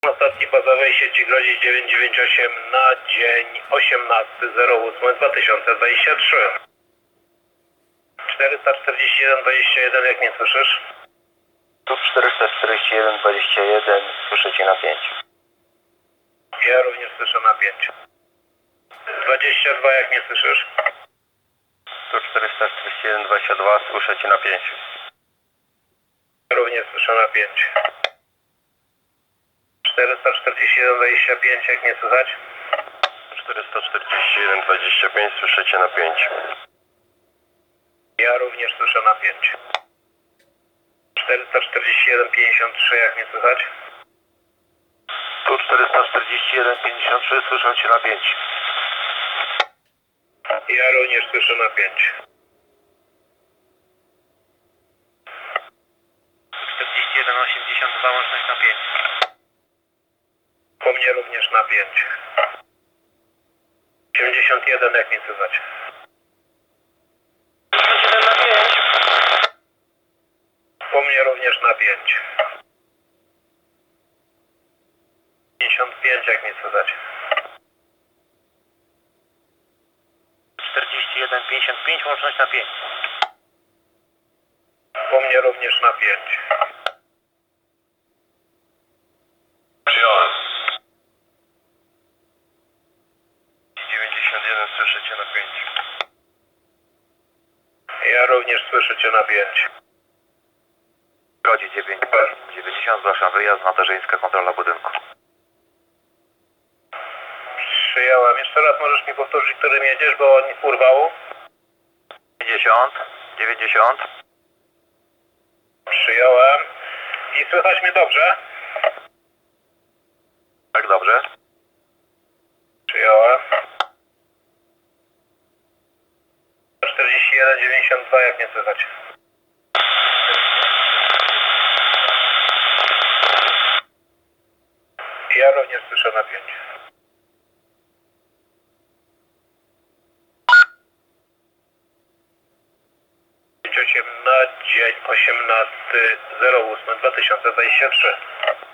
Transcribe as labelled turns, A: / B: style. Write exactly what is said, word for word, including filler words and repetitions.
A: Statki bazowej sieci Grodzic dziewięćset dziewięćdziesiąt osiem na dzień osiemnasty zero ósmy dwa tysiące dwadzieścia trzy. czterysta czterdzieści jeden dwadzieścia jeden, jak mnie słyszysz?
B: Tu czterysta czterdzieści jeden dwadzieścia jeden, słyszę Cię na pięć.
A: Ja również słyszę na pięć. dwadzieścia dwa, jak mnie słyszysz?
B: Tu czterysta czterdzieści jeden dwadzieścia dwa, słyszę Cię na pięć.
A: Również słyszę na pięć. czterysta czterdzieści jeden dwadzieścia pięć, jak mnie słychać?
B: czterysta czterdzieści jeden dwadzieścia pięć, słyszę Cię na pięć.
A: Ja również słyszę na pięć. czterysta czterdzieści jeden pięćdziesiąt trzy, jak mnie słychać?
B: Tu czterysta czterdzieści jeden pięćdziesiąt trzy, słyszę Cię na pięć.
A: Ja również słyszę na pięć.
B: czterdzieści jeden osiemdziesiąt dwa, łączność na pięć.
A: Po mnie również na pięć. osiemdziesiąt jeden, jak mnie słychać?
B: osiemdziesiąt jeden na pięć.
A: Po mnie również na pięć. pięćdziesiąt pięć, jak mnie słychać?
B: czterdzieści jeden pięćdziesiąt pięć, łączność na pięć.
A: Po mnie również na pięć.
B: Przyjąłem. dziewięćdziesiąt jeden, słyszę Cię na pięć.
A: Ja również słyszę Cię na pięć.
B: Godzi dziewięć, dziewięćdziesiąt, zgłaszam wyjazd, Nadarzyńska, kontrola budynku.
A: Przyjąłem. Jeszcze raz możesz mi powtórzyć, którym jedziesz, bo on urwało?
B: dziewięćdziesiąt, dziewięćdziesiąt.
A: Przyjąłem. I słychać mnie dobrze?
B: Tak, dobrze.
A: Przyjąłem. czterdzieści jeden dziewięćdziesiąt dwa, jak mnie słychać? Ja również słyszę na pięć. osiem na dzień osiemnasty zero ósmy dwa tysiące dwadzieścia trzy.